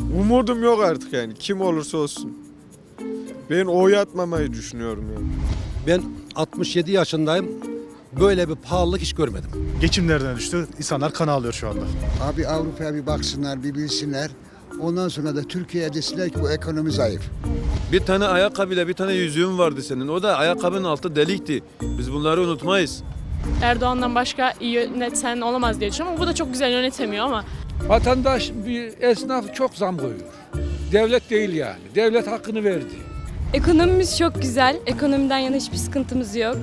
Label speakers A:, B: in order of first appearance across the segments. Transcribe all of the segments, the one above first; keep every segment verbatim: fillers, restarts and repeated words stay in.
A: Umudum yok artık yani. Kim olursa olsun. Ben oy atmamayı düşünüyorum yani.
B: Ben altmış yedi yaşındayım. Böyle bir pahalılık hiç görmedim.
C: Geçim nereden düştü? İnsanlar kan ağlıyor şu anda.
D: Abi Avrupa'ya bir baksınlar, bir bilsinler. Ondan sonra da Türkiye'ye desinler ki bu ekonomi zayıf.
E: Bir tane ayakkabıyla bir tane yüzüğün vardı senin. O da ayakkabının altı delikti. Biz bunları unutmayız.
F: Erdoğan'dan başka iyi yöneten olamaz diye düşünüyorum ama bu da çok güzel yönetemiyor ama.
G: Vatandaş, bir esnaf çok zam koyuyor. Devlet değil yani. Devlet hakkını verdi.
H: Ekonomimiz çok güzel. Ekonomiden yana hiçbir sıkıntımız yok.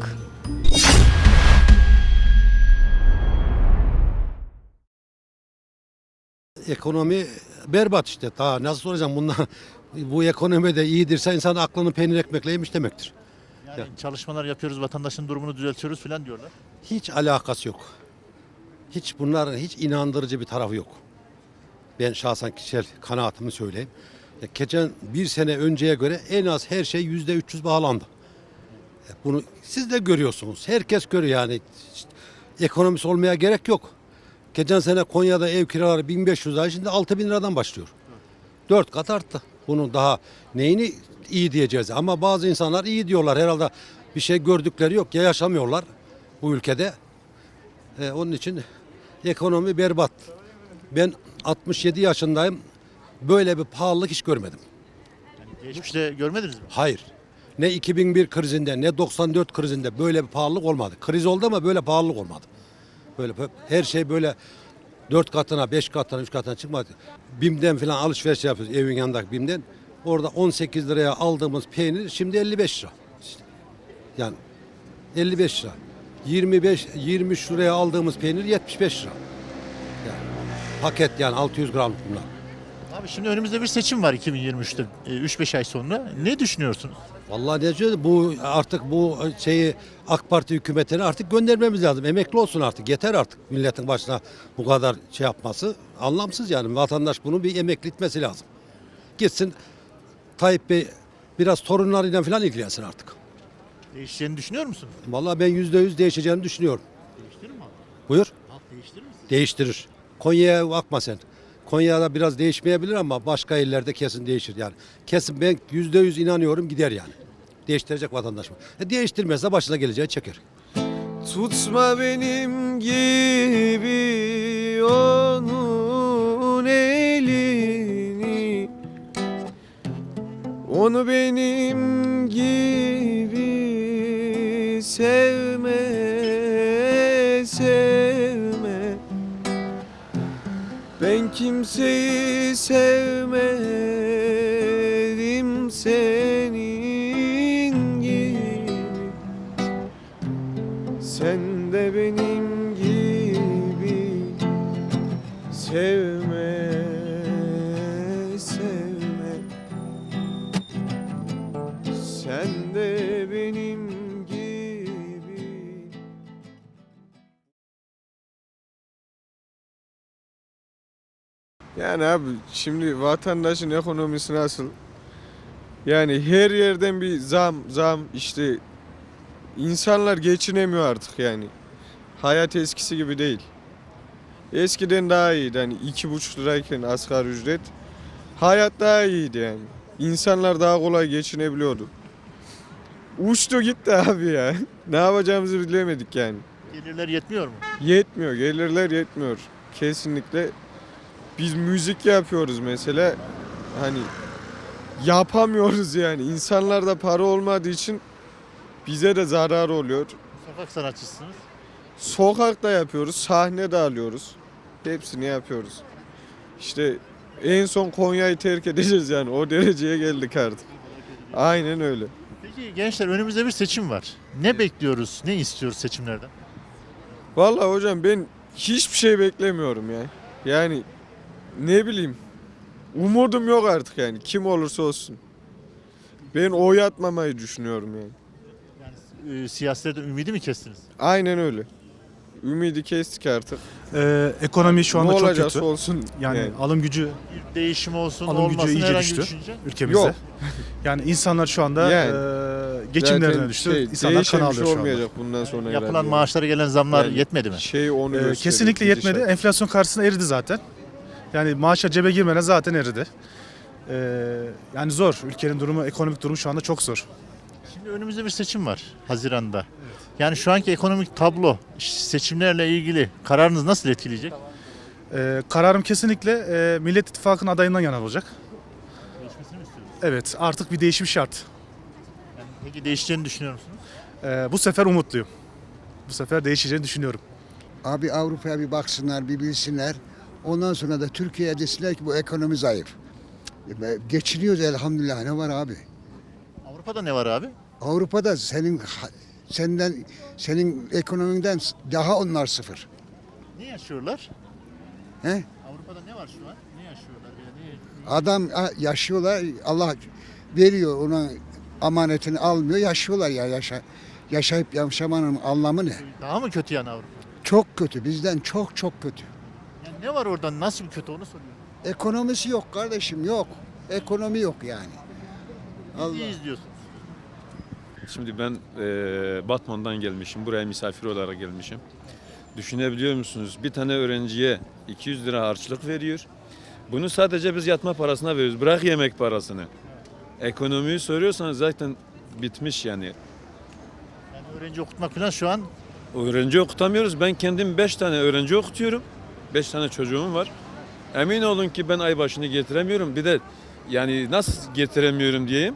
B: Ekonomi berbat işte. Daha nasıl soracağım bundan? Bu ekonomi de iyidirse insan aklını peynir ekmekle yemiş demektir.
I: Yani çalışmalar yapıyoruz, vatandaşın durumunu düzeltiyoruz falan diyorlar.
B: Hiç alakası yok. Hiç bunların hiç inandırıcı bir tarafı yok. Ben şahsen kişisel kanaatimi söyleyeyim. Ya geçen bir sene önceye göre en az her şey yüzde üç yüz bağlandı. Bunu siz de görüyorsunuz. Herkes görüyor yani. İşte, ekonomisi olmaya gerek yok. Geçen sene Konya'da ev kiraları bin beş yüz lira, şimdi altı bin liradan başlıyor. Dört kat arttı. Bunun daha neyini iyi diyeceğiz. Ama bazı insanlar iyi diyorlar. Herhalde bir şey gördükleri yok ya, yaşamıyorlar bu ülkede. Ee, onun için ekonomi berbat. Ben altmış yedi yaşındayım. Böyle bir pahalılık hiç görmedim.
I: Yani geçmişte görmediniz mi?
B: Hayır. Ne iki bin bir krizinde ne doksan dört krizinde böyle bir pahalılık olmadı. Kriz oldu ama böyle pahalılık olmadı. Böyle her şey böyle dört katına, beş katına, üç katına çıkmadı. BİM'den falan alışveriş yapıyoruz, evin yanındaki BİM'den. Orada on sekiz liraya aldığımız peynir şimdi elli beş lira. İşte. Yani elli beş lira. yirmi beş yirmi üç liraya aldığımız peynir yetmiş beş lira. Yani paket yani altı yüz gramlık bunlar.
I: Abi şimdi önümüzde bir seçim var iki bin yirmi üçte, üç beş ay sonra. Ne düşünüyorsunuz?
B: Vallahi ne diyor, bu artık bu şeyi AK Parti hükümetine artık göndermemiz lazım. Emekli olsun artık. Yeter artık milletin başına bu kadar şey yapması. Anlamsız yani. Vatandaş bunu bir emekli etmesi lazım. Gitsin Tayyip Bey biraz torunlarıyla falan ilgilensin artık.
I: Değişeceğini düşünüyor musunuz?
B: Vallahi ben yüzde yüz değişeceğini düşünüyorum.
I: Değiştirir mi abi?
B: Buyur.
I: Halk değiştirir mi?
B: Değiştirir. Konya'ya bakma sen. Konya'da biraz değişmeyebilir ama başka illerde kesin değişir yani. Kesin ben yüzde yüz inanıyorum gider yani. Değiştirecek vatandaş mı? E değiştirmezse başına geleceği çeker.
A: Tutma benim gibi onun elini, onu benim gibi sevme, sevme. Ben kimseyi sevmedim senin gibi. Sen de benim gibi sevme, sevme. Sen de benim gibi. Yani abi şimdi vatandaşın ekonomisi nasıl? Yani her yerden bir zam, zam işte. İnsanlar geçinemiyor artık yani. Hayat eskisi gibi değil. Eskiden daha iyiydi hani iki buçuk lirayken asgari ücret. Hayat daha iyiydi yani. İnsanlar daha kolay geçinebiliyordu. Uçtu gitti abi ya. Ne yapacağımızı bilemedik yani.
I: Gelirler yetmiyor mu?
A: Yetmiyor, gelirler yetmiyor. Kesinlikle. Biz müzik yapıyoruz mesela. Hani yapamıyoruz yani. İnsanlarda para olmadığı için bize de zarar oluyor.
I: Sokak sanatçısınız.
A: Sokakta yapıyoruz, sahne de alıyoruz. Hepsini yapıyoruz. İşte en son Konya'yı terk edeceğiz yani. O dereceye geldik artık. Aynen öyle.
I: Peki gençler önümüzde bir seçim var. Ne bekliyoruz, ne istiyoruz seçimlerden?
A: Vallahi hocam ben hiçbir şey beklemiyorum ya. Yani ne bileyim. Umudum yok artık yani. Kim olursa olsun. Ben oy atmamayı düşünüyorum yani.
I: Yani e, siyasetten ümidi mi kestiniz?
A: Aynen öyle. Ümidi kestik artık.
C: Ee, ekonomi şu anda
A: ne
C: çok
A: olacaksa
C: kötü.
A: olsun.
C: Yani,
A: yani.
C: alım gücü
I: Bir değişim olsun,
C: alım gücü
I: olmasın
C: iyice
I: herhangi bir
C: düştü
I: düşünce.
C: ülkemizde.
A: Yok.
C: Yani insanlar şu anda
A: Yani.
C: e, geçimlerine
A: Zaten
C: düştü.
A: şey,
C: İnsanlar kan
A: değişen bir
C: ağlıyor
A: şey
C: şu anda.
A: olmayacak bundan sonra.
I: Yapılan
A: herhalde.
I: maaşlara gelen zamlar
A: Yani
I: yetmedi mi?
A: Şey onu
C: Ee,
A: gösteriyor,
C: kesinlikle yetmedi.
A: gidişat.
C: Enflasyon karşısında eridi zaten. Yani maaşa cebe girmeden zaten eridi. Ee, yani zor. Ülkenin durumu, ekonomik durumu şu anda çok zor.
I: Şimdi önümüzde bir seçim var Haziran'da. Yani şu anki ekonomik tablo seçimlerle ilgili kararınız nasıl etkileyecek?
C: Ee, kararım kesinlikle e, Millet İttifakı'nın adayından yana olacak.
I: Değişmesini mi istiyorsunuz?
C: Evet, artık bir değişim şart.
I: Yani peki değişeceğini düşünüyor musunuz?
C: Ee, bu sefer umutluyum. Bu sefer değişeceğini düşünüyorum.
D: Abi Avrupa'ya bir baksınlar, bir bilsinler. Ondan sonra da Türkiye'ye desinler ki bu ekonomi zayıf. E, Geçiniyoruz elhamdülillah. Ne var abi?
I: Avrupa'da ne var abi?
D: Avrupa'da senin senden senin ekonominden daha onlar sıfır.
I: Ne yaşıyorlar?
D: He?
I: Avrupa'da ne var şu an? Ne yaşıyorlar? Yani ne-
D: Adam ha, yaşıyorlar. Allah veriyor ona amanetini almıyor. Yaşıyorlar ya yaşa. Yaşayıp yaşamanın anlamı ne?
I: Daha mı kötü yani Avrupa?
D: Çok kötü. Bizden çok çok kötü.
I: Yani ne var orada? Nasıl bir kötü onu soruyorum.
D: Ekonomisi yok kardeşim yok. Ekonomi yok yani. Allah.
I: Bizi izliyorsunuz.
E: Şimdi ben eee, Batman'dan gelmişim. Buraya misafir olarak gelmişim. Düşünebiliyor musunuz? Bir tane öğrenciye iki yüz lira harçlık veriyor. Bunu sadece biz yatma parasına veriyoruz. Bırak yemek parasını. Ekonomiyi soruyorsanız zaten bitmiş yani.
I: Yani öğrenci okutmak falan şu an
E: Öğrenci okutamıyoruz. Ben kendim beş tane öğrenci okutuyorum. Beş tane çocuğum var. Emin olun ki ben ay başını getiremiyorum. Bir de yani nasıl getiremiyorum diyeyim.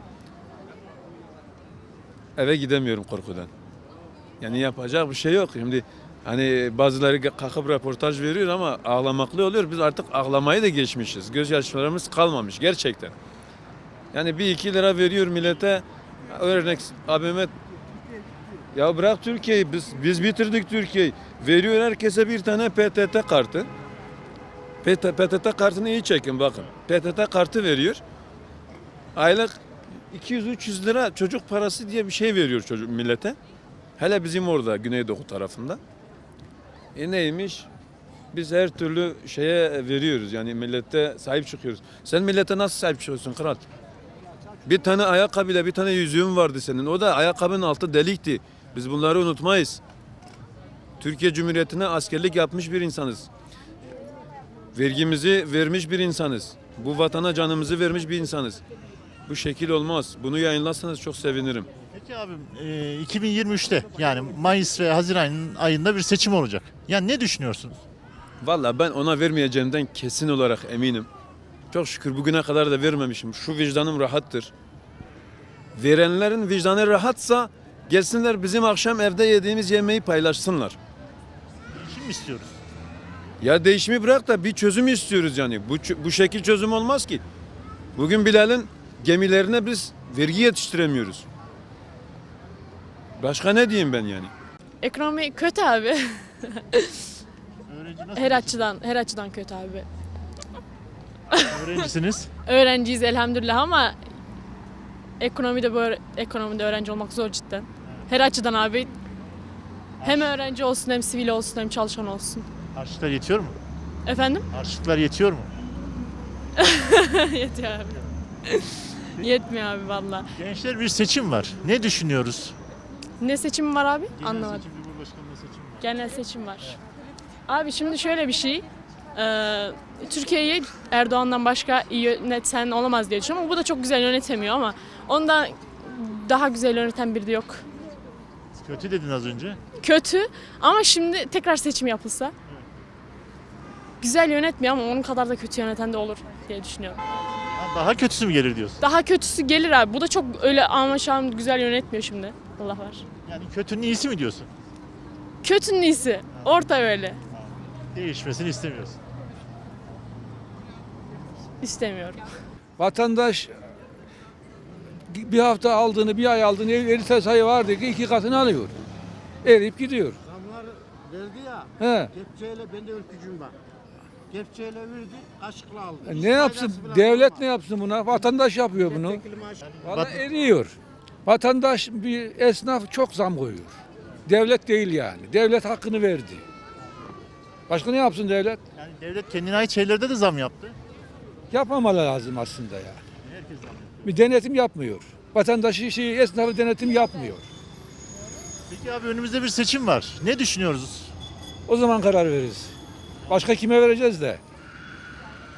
E: Eve gidemiyorum korkudan. Yani yapacak bir şey yok. Şimdi hani bazıları kalkıp röportaj veriyor ama ağlamaklı oluyor. Biz artık ağlamayı da geçmişiz. Gözyaşlarımız kalmamış gerçekten. Yani bir iki lira veriyor millete. Örnek abime ya bırak Türkiye'yi biz, biz bitirdik Türkiye'yi. Veriyor herkese bir tane P T T kartı. P T T kartını iyi çekin bakın. P T T kartı veriyor. Aylık iki yüz üç yüz lira çocuk parası diye bir şey veriyor çocuk millete. Hele bizim orada Güneydoğu tarafında. E neymiş? Biz her türlü şeye veriyoruz yani millete sahip çıkıyoruz. Sen millete nasıl sahip çıkıyorsun kral? Bir tane ayakkabıyla bir tane yüzüğün vardı senin. O da ayakkabının altı delikti. Biz bunları unutmayız. Türkiye Cumhuriyeti'ne askerlik yapmış bir insanız. Vergimizi vermiş bir insanız. Bu vatana canımızı vermiş bir insanız. Bu şekil olmaz. Bunu yayınlarsanız çok sevinirim.
I: Peki abim e, iki bin yirmi üçte yani Mayıs ve Haziran ayında bir seçim olacak. Yani ne düşünüyorsunuz?
E: Vallahi ben ona vermeyeceğimden kesin olarak eminim. Çok şükür bugüne kadar da vermemişim. Şu vicdanım rahattır. Verenlerin vicdanı rahatsa gelsinler bizim akşam evde yediğimiz yemeği paylaşsınlar.
I: Değişim mi istiyoruz?
E: Ya değişimi bırak da bir çözüm istiyoruz yani. Bu, bu şekil çözüm olmaz ki. Bugün Bilal'in gemilerine biz vergi yetiştiremiyoruz. Başka ne diyeyim ben yani?
F: Ekonomi kötü abi.
I: Öğrenci nasıl?
F: Her açıdan, her açıdan kötü abi.
I: Öğrencisiniz.
F: Öğrenciyiz elhamdülillah ama ekonomide böyle ekonomide öğrenci olmak zor cidden. Her açıdan abi. Hem öğrenci olsun hem sivil olsun hem çalışan olsun.
I: Harçlıklar yetiyor mu?
F: Efendim?
I: Harçlıklar yetiyor mu?
F: Yetiyor abi. Yetmiyor abi valla.
I: Gençler bir seçim var. Ne düşünüyoruz?
F: Ne seçim var abi?
I: Genel
F: Anlamadım.
I: seçim, Cumhurbaşkanlığı seçimi var.
F: Genel seçim var. Abi şimdi şöyle bir şey. e, Türkiye'yi Erdoğan'dan başka iyi yöneten olamaz diye düşünüyorum. Ama bu da çok güzel yönetemiyor ama ondan daha güzel yöneten biri de yok.
I: Kötü dedin az önce.
F: Kötü ama şimdi tekrar seçim yapılsa güzel yönetmiyor ama onun kadar da kötü yöneten de olur diye düşünüyorum.
I: Ha, daha kötüsü mü gelir diyorsun?
F: Daha kötüsü gelir abi. Bu da çok öyle ama şu an güzel yönetmiyor şimdi. Allah var.
I: Yani kötünün iyisi mi diyorsun?
F: Kötünün iyisi. Orta öyle.
I: Değişmesini istemiyorsun.
F: İstemiyorum.
G: Vatandaş bir hafta aldığını, bir ay aldığını elli sayı vardı ki iki katını alıyor. Eriyip gidiyor.
J: Zamlar verdi ya,
G: He.
J: kepçeyle ben de ülkücüyüm bak. Kepçeyle verdi, kaşıkla aldı.
G: E Ne yapsın? Devlet ne yapsın buna? Vatandaş yapıyor bunu. Valla eriyor. Vatandaş bir esnaf çok zam koyuyor. Devlet değil yani. Devlet hakkını verdi. Başka ne yapsın devlet?
I: Yani devlet kendine ait şeylerde de zam yaptı.
G: Yapmamalı lazım aslında ya.
I: Herkes zam yapıyor.
G: Bir denetim yapmıyor. Vatandaşı şey, esnafı denetim yapmıyor.
I: Peki abi önümüzde bir seçim var. Ne düşünüyoruz?
G: O zaman karar veririz. Başka kime vereceğiz de?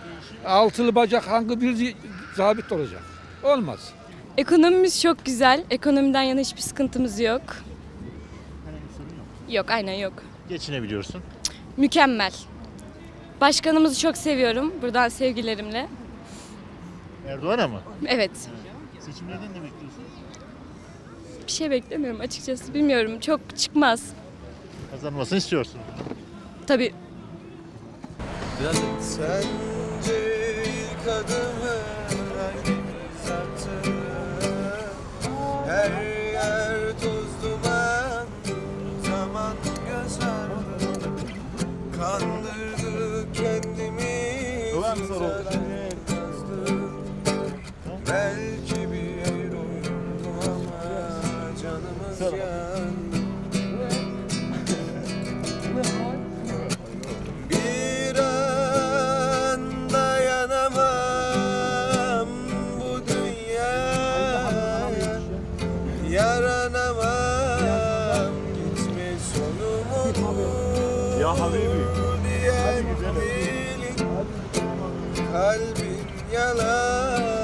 G: Altılı bacak hangi bir zabit olacak? Olmaz.
H: Ekonomimiz çok güzel. Ekonomiden yana hiçbir sıkıntımız yok.
I: Herhangi bir sorun yok.
H: Yok, aynen yok.
I: Geçinebiliyorsun.
H: Mükemmel. Başkanımızı çok seviyorum. Buradan sevgilerimle.
I: Erdoğan'a mı?
H: Evet.
I: Seçimlerden ne bekliyorsun?
H: Bir şey beklemiyorum açıkçası. Bilmiyorum. Çok çıkmaz.
I: Kazanmasını istiyorsun.
H: Tabii.
A: Sence ilk adımı hangimiz attı? Her yer toz duman, zaman göz ardı. Kandırdık kendimizi, zaten kazdık. Belki bir oyundu ama canımız yandı. Bir an dayanamam bu dünyaya, yaranamam, gitme sonumu ya diyen değilim, kalbin yalan.